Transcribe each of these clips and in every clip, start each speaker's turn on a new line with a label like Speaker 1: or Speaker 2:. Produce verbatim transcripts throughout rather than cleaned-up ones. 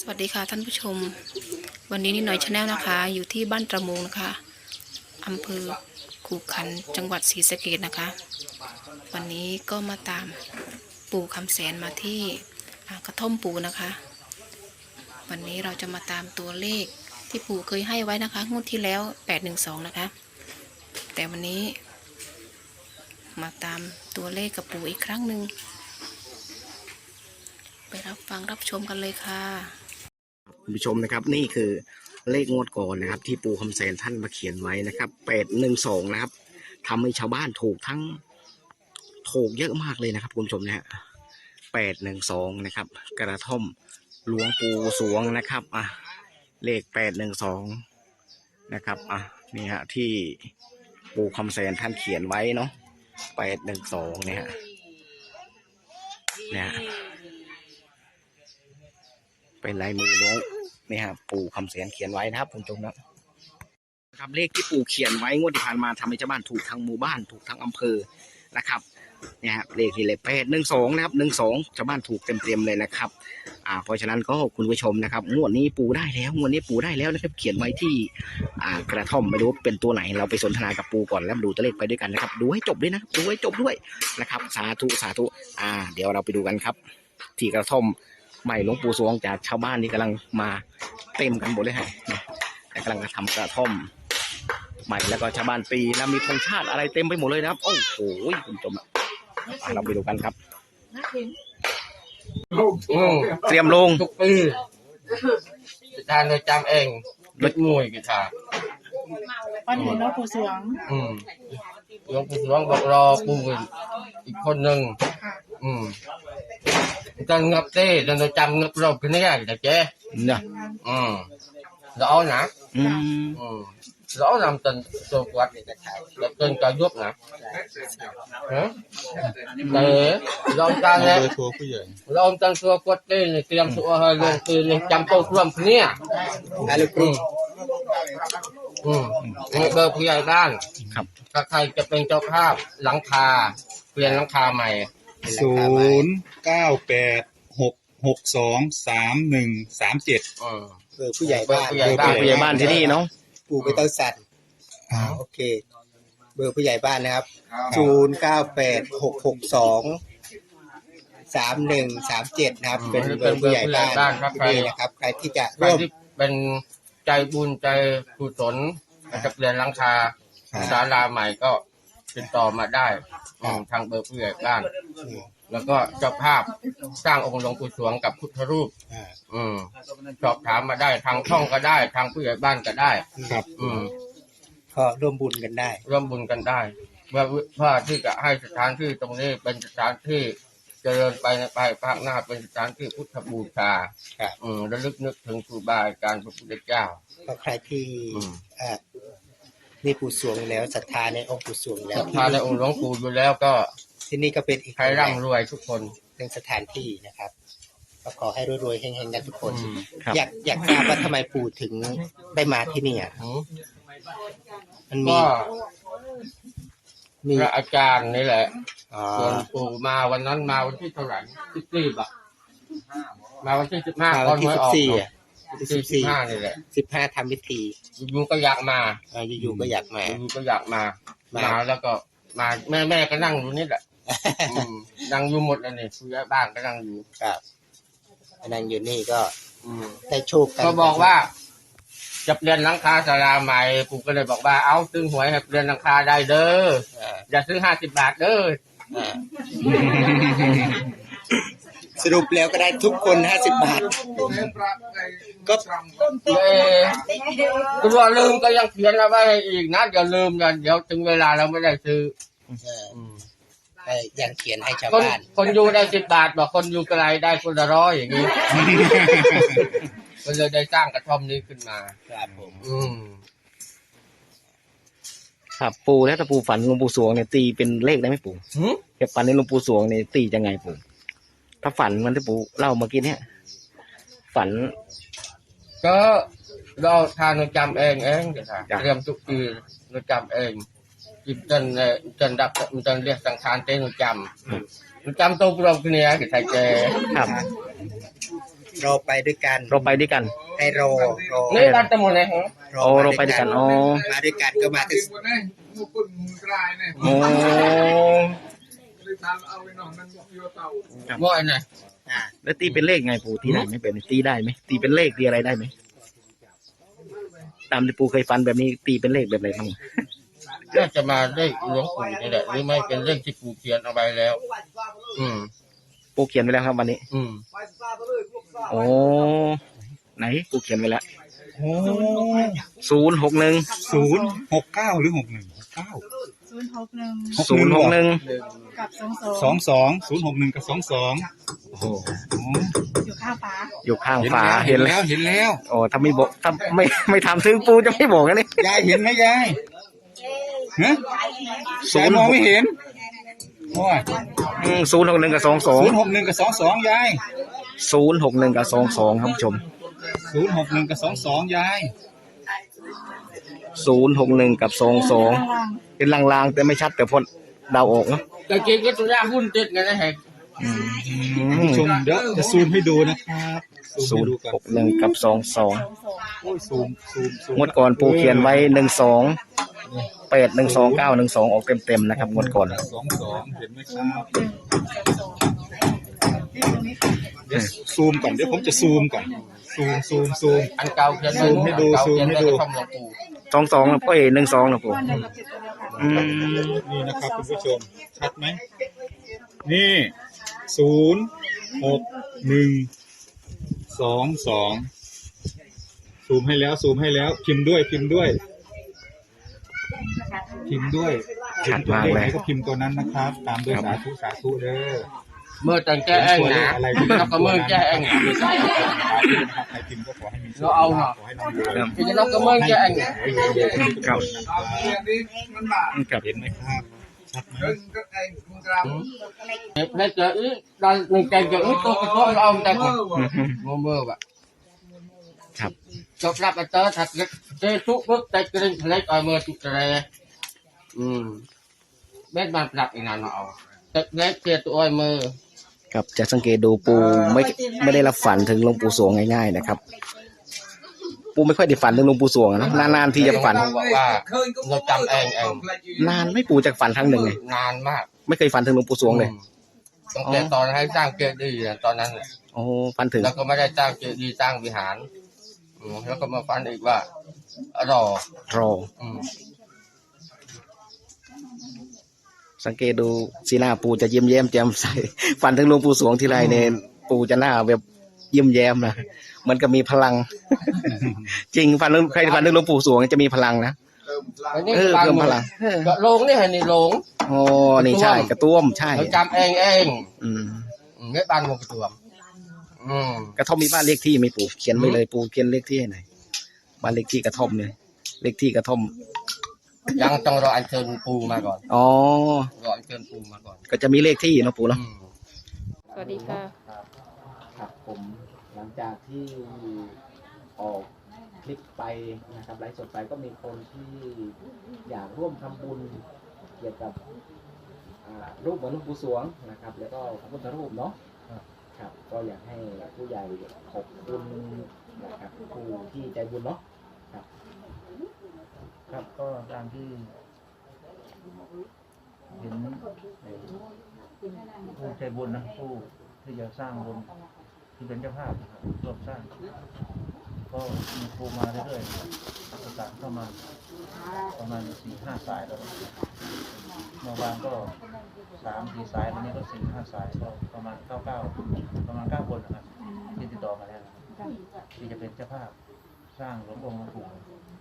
Speaker 1: สวัสดีค่ะท่านผู้ชมวันนี้นิดหน่อยชาแนลนะคะอยู่ที่บ้านตระมูงนะคะอำเภอขู่ขันจังหวัดศรีสะเกษนะคะวันนี้ก็มาตามปู่คำแสนมาที่กระท่อมปู่นะคะวันนี้เราจะมาตามตัวเลขที่ปู่เคยให้ไว้นะคะงวดที่แล้วแปดหนึ่งสองนะคะแต่วันนี้มาตามตัวเลขกับปู่อีกครั้งหนึ่งไปรับฟังรับชมกันเลยค่ะ
Speaker 2: คุณผู้ชมนะครับนี่คือเลขงวดก่อนนะครับที่ปู่คำแสนท่านมาเขียนไว้นะครับแปดหนึ่งสองนะครับทำให้ชาวบ้านถูกทั้งถูกเยอะมากเลยนะครับคุณผู้ชมนะฮะแปดหนึ่งสองนะครับกระท่อมหลวงปู่สวงนะครับอ่ะเลขแปดหนึ่งสองนะครับอ่ะนี่ฮะที่ปู่คำแสนท่านเขียนไว้เนาะแปดหนึ่งสองเนี่ยฮะเนี่ยเป็นลายมือหลวงนี่ฮะปู่คำแสนเขียนไว้นะครับคุณผู้ชมนะครับเลขที่ปู่เขียนไว้งวดที่ผ่านมาทำให้ชาวบ้านถูกทั้งหมู่บ้านถูกทั้งอำเภอนะครับเนี่ยครับเลขที่เลขแปดหนึ่งสองนะครับหนึ่งสองชาวบ้านถูกเต็มๆเลยนะครับอ่าเพราะฉะนั้นก็คุณผู้ชมนะครับงวดนี้ปู่ได้แล้วงวดนี้ปู่ได้แล้วนะครับเขียนไว้ที่อ่ากระท่อมไม่รู้เป็นตัวไหนเราไปสนทนากับปู่ก่อนแล้วดูตัวเลขไปด้วยกันนะครับดูให้จบด้วยนะดูให้จบด้วยนะครับสาธุสาธุอ่าเดี๋ยวเราไปดูกันครับที่กระท่อมใหม่หลวงปู่สวงจากชาวบ้านที่กำลังมาเต็มกันหมดเลยฮะกำลังจะทำกระท่อมใหม่แล้วก็ชาวบ้านปีแล้วมีธงชาติอะไรเต็มไปหมดเลยนะครับโอ้โหคุณผู้ชมเราไปดูกันครับเตรียมลง
Speaker 3: ทุกปีอาจารย์เราจำเองรถมวยกีฬา
Speaker 4: วันนี้น้องปู่สวง
Speaker 3: อืมหลวงปู่สวงบอกรอปู่อีกคนหนึ่งอืมจะงับเต้จะเราจำงับรอบขึ้นได้แต่เจ๊
Speaker 2: เนี่ย
Speaker 3: อืมrõ nè
Speaker 2: ừ.
Speaker 3: ừ. rõ làm tình sâu quạt là tên cả giúp nè để lo ta nghe lo ông ta xua quạt tên này tiêm xua hơi luôn từ này chăm câu rầm nè ừ ừเบอร์ผู้ใหญ่บ้านถ้าใครจะเป็นเจ้าภาพหลังคาเปลี่ยนหลังคาใหม่
Speaker 5: ศูนย์เก้าแปดหกหกสองสามหนึ่งสามเจ็ด
Speaker 2: เบอร์ผู้ใหญ่บ้าน
Speaker 3: ผู้ใหญ่บ้าน
Speaker 2: ผู้ใหญ่บ้านที่นี่เนาะ
Speaker 6: ปู่ไปเต้าสัตว์โอเคเบอร์ผู้ใหญ่บ้านนะครับศูนย์เก้าแปดหกหกสองสามหนึ่งสามเจ็ดนะครับเป็นเบอร์ผู้ใหญ่บ้านนี่นะครับใครที่จะร่วม
Speaker 3: เป็นใจบุญใจกุศลจะเปลี่ยนหลังคาศาลาใหม่ก็ติดต่อมาได้ทางเบอร์ผู้ใหญ่บ้านแล้วก็เจ้าภาพสร้างองค์หลวงปู่สวงกับพุทธรูปอืมสอบถามมาได้ทางช่องก็ได้ทางผู้ใหญ่บ้านก็ได้
Speaker 6: ครับ
Speaker 3: อืม
Speaker 6: ก็ร่วมบุญกันได้
Speaker 3: ร่วมบุญกันได้เพื่อเพื่อที่จะให้สถานที่ตรงนี้เป็นสถานที่เจริญไปในภายภาคหน้าเป็นสถานที่พุทธบูชาอืมระลึกนึกถึงครูบาอาจารย์พระพุทธเจ้า
Speaker 6: ก็ใครที่อ่ามีปู่สวงแล้วศรัทธาในองค์ปู่สวงแล้ว
Speaker 3: ศรัทธาในองค์หลวงปู่อยู่แล้วก็
Speaker 6: ที่นี่ก็เป็นอีก
Speaker 3: ใครร่ำรวยทุกคน
Speaker 6: เป็นสถานที่นะครับก็ขอให้รวยๆเฮงๆกันทุกคนอยากอยากทราบว่าทำไมปู่ถึงได้มาที่นี่อ่ะมันมี
Speaker 3: มีพระอาจารย์นี่แหละส่วนปู่มาวันนั้นมาวันที่เท่าไหร่สิบสี่ป่ะมาวันที่สิบห้าตอนหวยออกสิบสี่ห้านี่แหละ
Speaker 6: สิบห้าทำพิธี
Speaker 3: อยู่ก็อยากมา
Speaker 6: อยู่ก็อยากมา
Speaker 3: อยู่ก็อยากมามาแล้วก็มาแม่แม่ก็นั่งอยู่นี่แหละนั่งอยู่หมดเลยนี่ผู้ใหญ่บ้านก็นั่งอยู่
Speaker 6: ครับนั่งอยู่นี่ก็ได้โชคกัน
Speaker 3: ก็บอกว่าจะเปลี่ยนหลังคาศาลาใหม่ปู่ก็เลยบอกว่าเอาซื้อหวยให้เปลี่ยนหลังคาได้เด้ออย่าซื้อห้าสิบบาทเด้อ
Speaker 6: สรุปแล้วก็ได้ทุกคนห้าสิบบาทก็
Speaker 3: เออตัวลืมก็ยังเขียนเอาไว้อีกนะอย่าลืมนะเดี๋ยวถึงเวลาเราไม่ได้ซื้อ
Speaker 6: ยังเขียนให้ชาวบ้าน
Speaker 3: คนอยู่ได้สิบบาทบอกคนอยู่ไกลได้คนละร้อยอย่างนี้ก็เลยได้สร้างกระท่อมนี้ขึ้นมา
Speaker 6: ครับผม
Speaker 3: อืม
Speaker 2: ครับปู่แล้วถ้าปู่ฝันหลวงปู่สวงเนี่ยตีเป็นเลขได้ไหมปู่เก็บฝันในหลวงปู่สวงเนี่ยตียังไงปู่ถ้าฝันมันที่ปู่เล่าเมื่อกี้เนี่ยฝัน
Speaker 3: ก็เราทานเราจำเองเองเดี๋ยวเตรียมทุกปีเราจำเองจิตจนจนดับจนเรียกสังขารเต้นเราจำเราจำตัวเราคนนี้กี่ไทยเจ
Speaker 2: ครับ
Speaker 6: รอไปด้วยกัน
Speaker 2: เราไปด้วยกัน
Speaker 6: ให้รอรอ
Speaker 3: นี่ร้านตะมนไหนฮะ
Speaker 2: โอ้เราไปด้วยกันอ๋อ
Speaker 6: มาด้วยกันก็มาที่
Speaker 2: โอ้
Speaker 3: บ่อยไหน
Speaker 6: อ่า
Speaker 2: แล้วตีเป็นเลขไงปู่ตีได้ไหมเป็นตีได้ไหมตีเป็นเลขตีอะไรได้ไหมตามที่ปู่เคยฟันแบบนี้ตีเป็นเลขแบบไหนบ้าง
Speaker 3: น่าจะมาได้หลวงปู่นี่แหละหรือไม่เป็นเรื่องที่ปู่เขียนเอาไว้แล้ว อืม
Speaker 2: ปู่เขียนไว้แล้วครับวันนี้
Speaker 3: อืม
Speaker 2: โอ้ไหนปู่เขียนไว้แล้ว
Speaker 5: โอ้
Speaker 2: ศูนย์หกหนึ่ง
Speaker 5: ศูนย์หกเก้าหรือหกหนึ่งหกเก้า
Speaker 4: ศูนย์หกหนึ่ง
Speaker 2: ศูนย์หกหนึ่ง
Speaker 4: กับสองสอง
Speaker 5: สองสองศูนย์หกหนึ่งกับสองสอง
Speaker 2: โอ้โห
Speaker 4: อยู่ข้างฟ้า
Speaker 2: อยู่ข้าง
Speaker 5: เห็น
Speaker 2: ฝา
Speaker 5: แล้ว
Speaker 2: เห็
Speaker 5: เห็
Speaker 2: น
Speaker 5: น
Speaker 2: แล้
Speaker 5: แล้ว วเห็นแล้ว
Speaker 2: โอ้ถ้าไม่บอกถ้าไม่ไม่ทำถึงปู่จะไม่บอกนะนี่
Speaker 5: ยายเห็นไหมยายฮะ
Speaker 2: ศู
Speaker 5: ยาย
Speaker 2: นย์
Speaker 5: มองไม่เห็นโอ้ย
Speaker 2: ศูนย์หกหนึ่งกับสองสอง
Speaker 5: ศูนย์หกหนึ่งกับสองสองยาย
Speaker 2: ศูนย์หกหนึ่งกับสองสองครับผู้ชม
Speaker 5: ศูนย์หกหนึ่งกับสองสองยาย
Speaker 2: ศูนย์หกหนึ่งกับสองสอง
Speaker 4: ล่าง
Speaker 2: เป็นลางๆแต่ไม่ชัดแต่พอเดาออกเนาะ
Speaker 3: แต่จริงก็ตัวย่าหุ้นติดไงนะฮะ
Speaker 2: อืม
Speaker 5: ผู้ชมเดี๋ยวจะซูมให้ดูนะครับ
Speaker 2: ศู
Speaker 5: ให้
Speaker 2: นย์
Speaker 5: ดูก่อน
Speaker 2: หกหนึ่งกับสองสอง
Speaker 5: โอ้ยซูมซูมซูม
Speaker 2: งวดก่อนปูเขียนไว้หนึ่งสองแปดหนึ่งสองเก้าหนึ่งสองออกเต็มๆนะครับงวดก่อน
Speaker 5: สองสองเห็นไหมครับเดี๋ยวซูมก่อนเดี๋ยวผมจะซูมก่อนซูมซูมซูม
Speaker 3: อันเก่าเขียนไว้
Speaker 5: ซูมให้ดู
Speaker 3: อันเก่า
Speaker 5: ซูม
Speaker 3: เขียน
Speaker 5: ให้
Speaker 3: ไว้
Speaker 5: ดู
Speaker 3: ในคำหลวงปู่
Speaker 2: สองสองเอ้ยหนึ่งสองนะปู
Speaker 4: วันเดียวกับจิตตัวเดียวกัน
Speaker 2: อืม
Speaker 5: นี่นะครับคุณผู้ชมชัดไหมนี่ศูนย์หกหนึ่งสองสองซูมให้แล้วซูมให้แล้วพิมพ์ด้วยพิมพ์ด้วย พิมพ์ด้วย
Speaker 2: ชัดมากเลย
Speaker 5: พิพ์ตัวขไหนก็พิมพ์ตัวนั้นนะครับ ตามด้วยสาธุสาธุเด้อ
Speaker 3: เมื่อตั้งแก้เองนะแล้วก็เมื่อแก้เองนะ
Speaker 5: ใครพิมพ์ก็ขอให้มีโชค
Speaker 3: เราเอาเหรอ
Speaker 5: ขอให้ร่ำรวย
Speaker 3: พี่จะต้องก็เมื่อแก้เองนะ
Speaker 2: ครับครับ
Speaker 5: เห็นไหมครับชัดไหม
Speaker 3: ในเจออีตอนในใจเจออีตัวกระโดดเอาแต่ก่อนโมเมื่อแบบ
Speaker 2: ครับ
Speaker 3: จบรับไปเจอถักเจอทุกปุ๊บแต่กระดิ่งทะเลต่อยมือจุดทะเลอืมเบ็ดมันปรับอีกนานเอาแต่เล็กเทียตัวอ้อยมือ
Speaker 2: ครับจะสังเกตดูปูไม่ไม่ได้รับฝันถึงหลวงปู่สวงง่ายๆนะครับ ปูไม่ค่อยได้ฝันถึงหลวงปู่สวงนะนานๆที่จะฝัน
Speaker 3: บอกว่าเราจำเองเอง
Speaker 2: นานไม่ปูจากฝันครั้งหนึ่งเลย
Speaker 3: นานมาก
Speaker 2: ไม่เคยฝันถึงหลวงปู่สวงเลย
Speaker 3: ตั้งแต่ตอนให้สร้างเจดีย์ตอนนั้น
Speaker 2: โอ้ฝันถึง
Speaker 3: แล้วก็ไม่ได้สร้างเจดีย์สร้างวิหารแล้วก็มาฟันอีกว่ารอ
Speaker 2: รอ
Speaker 3: อืม
Speaker 2: สังเกตดูสีหน้าปูจะเยี่ยมแย้มแจ่มใส ฝันถึงหลวงปู่สวงทีไรเนี่ยปูจะหน้าแบบเยี่ยมแย้มนะเหมันก็มีพลัง จริงฝันถึงใครฝันถึงหลวงปู่สวงจะมีพลังนะเออเพิ่มพลัง
Speaker 3: ก็ลงนี่เห็นนี่ลง
Speaker 2: โอ้นี่ใช่กระต้วมใช่
Speaker 3: เราจำเองเอง
Speaker 2: อืม
Speaker 3: ไม่บ้านงกระตัวมอืม
Speaker 2: กระท่อมมีบ้านเลขที่ไหมปู่เขียนไว้เลยปู่เขียนเลขที่ให้หน่อยบ้านเลขที่กระท่อมเนี่ยเลขที่กระท่อม
Speaker 3: ยังต้องรออัญเชิญปูมาก่อน
Speaker 2: อ๋อ
Speaker 3: รออัญเชิญปูมาก่อน
Speaker 2: ก็จะมีเลขที่เนาะปู่เนาะ
Speaker 3: อืม
Speaker 1: สวัสดีค่ะ
Speaker 2: ครับผมหลังจากที่ออกคลิปไปนะครับไลฟ์สดไปก็มีคนที่อยากร่วมทำบุญเกี่ยวกับอ่ารูปเหมือนหลวงปู่สวงนะครับ แล้วก็พระพุทธรูปเนาะครับก็อยากให้ผู้ใหญ่ขอบคุณนะครับผู้ที่ใจบุญเนาะครับ
Speaker 7: ครับก็ตามที่เห็นผู้ใจบุญนะผู้ที่จะสร้างบุญที่เป็นเจ้าภาพนะครับร่วมสร้าง ก็มีครูมาเรื่อยๆประสานเข้ามาประมาณสี่ห้าสายแล้วเมื่อวานก็สามสี่สายวันนี้ก็สี่ห้าสายก็ประมาณเก้าเก้าประมาณเก้าคนนะครับที่ติดต่อมาแล้วนะครับที่จะเป็นเจ้าภาพสร้างหลวงองค์หลวงปู่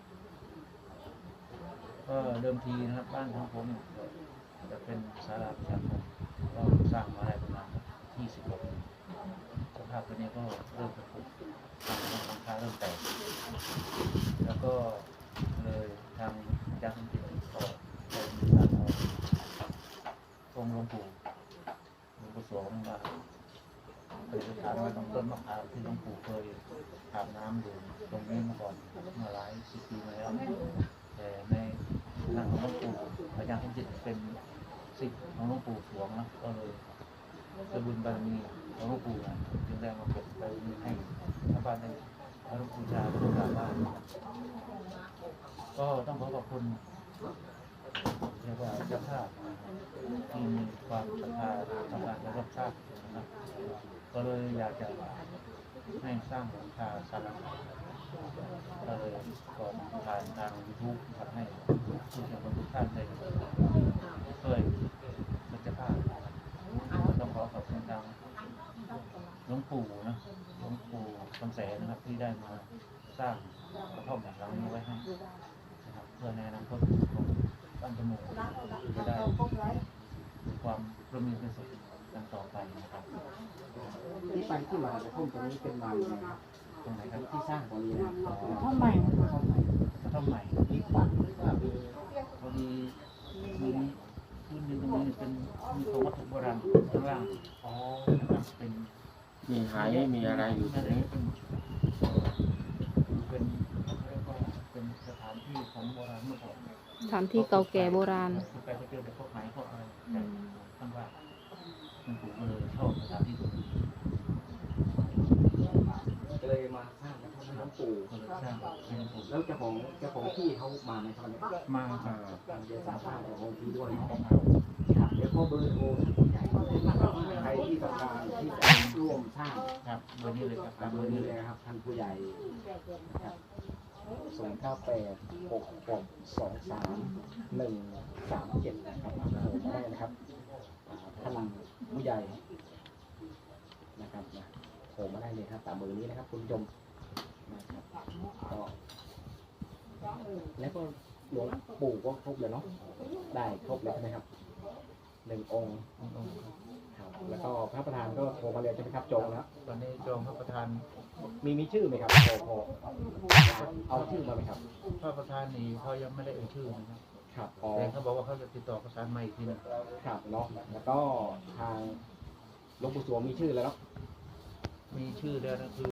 Speaker 7: ก็เดิมทีนะครับบ้านของผมจะเป็นศาลาประชาคมก็สร้างมาได้ประมาณยี่สิบกว่าปีสภาพตัวนี้ก็เริ่มจะผุทางหลังคาเริ่มแตกแล้วก็เลยทางอาจารย์สันติก็ได้มีการเอาองค์หลวงปู่หลวงปู่สวงมาไปสถานไว้ตรงต้นมะพร้าวที่หลวงปู่เคยอาบน้ำอยู่ตรงนี้มาก่อนเมื่อหลายสิบปีมาแล้วแต่ในทางของหลวงปู่อาจารย์สมจิตเป็นศิษย์ของหลวงปู่สวงนะก็เลยด้วยบุญบารมีของหลวงปู่นะจึงได้มาเก็บไปให้ชาวบ้านได้เคารพบูชาและกราบไหว้ก็ต้องขอขอบคุณเรียกว่าเจ้าภาพที่มีความศรัทธาต่อการและรับทราบนะครับก็เลยอยากจะให้สร้างหลังคาศาลาก็เลยก่อนผ่านทางยูทูบทำให้ผู้ชมทุกท่านได้ช่วยเป็นเจ้าภาพก็ต้องขอขอบคุณทางหลวงปู่นะหลวงปู่คำแสนนะครับที่ได้มาสร้างกระท่อมหลังนี้ไว้ให้นะครับเพื่อในอนาคตของบ้านจมูกจะได้ความร่มเย็นเป็นสุขกันต่อไปนะครับ
Speaker 2: ที่ไปที่มากระท่อมตรงนี้เป็นมาอย่างไรครับ
Speaker 7: ตรงไหนครับ
Speaker 2: ที่สร้างตรงนี้นะ
Speaker 4: ท่อใหม่
Speaker 7: กระท่อมใหม่กระท่อมใหม่
Speaker 2: มีขวัญหรือว่ามี
Speaker 7: พอดีมีพื้นดินตรงนี้เป็นมีของวัตถุโบราณข้างล่าง
Speaker 2: อ๋อ
Speaker 7: นะครับเป็น
Speaker 3: มีหายมีอะไรอยู่ตรงนี้
Speaker 7: เป็นเป็นเรียกว่าเป็นสถานที่ของโบราณเมื่อก่อน
Speaker 1: สถานที่เก่าแก่โบราณ
Speaker 7: ไปไปเจอแต่พวกไหนพวกอะไรแต่ข้างล่างคุณปู่ก็เลยชอบสถานที่ตรงนี้
Speaker 2: เลยมาสร้างกระท่อมให้หลวงปู่
Speaker 7: ก็เลยสร้างให้หลวงปู่
Speaker 2: แล้วเจ้าของเจ้าของที่เขามาในตอนนี้
Speaker 7: มาครับ
Speaker 2: เดี๋ยวสามภาษณ์เจ้าของที่ด้วยเนาะครับเดี๋ยวขอเบอร์โทรใครที่ต้องการที่จะร่วมสร้าง
Speaker 7: ครับเบอร์นี้เลยครับ
Speaker 2: ตาม
Speaker 7: เบ
Speaker 2: เบ
Speaker 7: อ
Speaker 2: อ
Speaker 7: ร์
Speaker 2: ร์
Speaker 7: นี้
Speaker 2: นี้
Speaker 7: เล
Speaker 2: เลย ยนะครับท่านผู้ใหญ่นะครับศูนย์เก้าแปดหกหกสองสามหนึ่งสามเจ็ดนะครับโทรมาได้นะครับอ่าท่านผู้ใหญ่นะครับนะโทรมาได้เลยครับตามเบอร์นี้นะครับคุณผู้ชมนะครับก็แล้วก็หลวงปู่ก็ครบเลยเนาะได้ครบเลยใช่ไหมครับหนึ่งองค์ครับแล้วก็พระประธานก็โทรมาเลยใช่ไหมครับจองแล้ว
Speaker 7: ตอนนี้จองพระประธาน
Speaker 2: มีมีชื่อไหมครับพอพอเอาชื่อมาไหมครับ
Speaker 7: พระประธานนี่เขายังไม่ได้เอ่ยชื่อนะครับ
Speaker 2: ครับอ๋อ
Speaker 7: แต่เขาบอกว่าเขาจะติดต่อประสานมาอีกทีหนึง
Speaker 2: ครับเนาะแล้วก็ทางหลวงปู่สวงมีชื่อแล้วเนาะ
Speaker 7: มีชื่อแล้วนะคือ